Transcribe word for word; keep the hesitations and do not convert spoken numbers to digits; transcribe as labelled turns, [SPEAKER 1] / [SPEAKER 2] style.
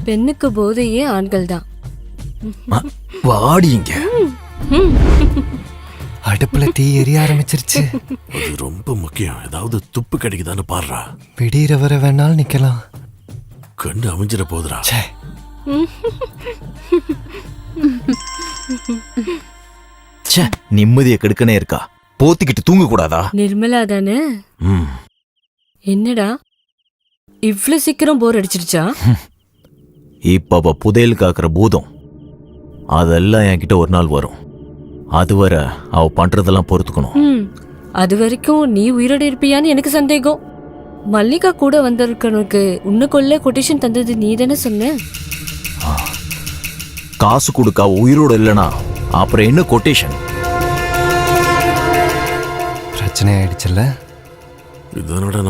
[SPEAKER 1] பெண்ணுக்கு போதையே ஆண்கள் தான்.
[SPEAKER 2] வாடிங்க. அடுப்புல தீ எரிய ஆரம்பிச்சிருச்சு.
[SPEAKER 3] அது ரொம்ப முக்கியம். ஏதாவது துப்பு கிடைக்குதான்னு பாடுறா.
[SPEAKER 2] விடியற வர வேணாலும் நிக்கலாம்.
[SPEAKER 3] கண்ணு அமைஞ்சிட போதுரா.
[SPEAKER 2] நிம்மதியை கெடுக்கனே இருக்கா. போத்திக்கிட்டு தூங்க கூடாதா?
[SPEAKER 1] நிர்மலா தானே? என்னடா இவ்ளோ சீக்கிரம் போர் அடிச்சிருச்சா?
[SPEAKER 2] இப்ப அவ புதையல் காக்குற பூதம் அதெல்லாம் என்கிட்ட ஒரு நாள் வரும். அதுவரை அவ பண்றதெல்லாம் பொறுத்துக்கணும்.
[SPEAKER 1] அது வரைக்கும் நீ உயிரோட இருப்பியான்னு எனக்கு சந்தேகம். மல்லிகா கூட வந்திருக்கனுக்கு உன்னை கொல்ல கொட்டேஷன் தந்தது நீ தானே சொன்ன?
[SPEAKER 2] காசு கொடுக்க உயிரோட இல்லனா அப்புறம் என்ன கொட்டேஷன்? பிரச்சனை ஆயிடுச்சுல்ல.
[SPEAKER 3] இதனோட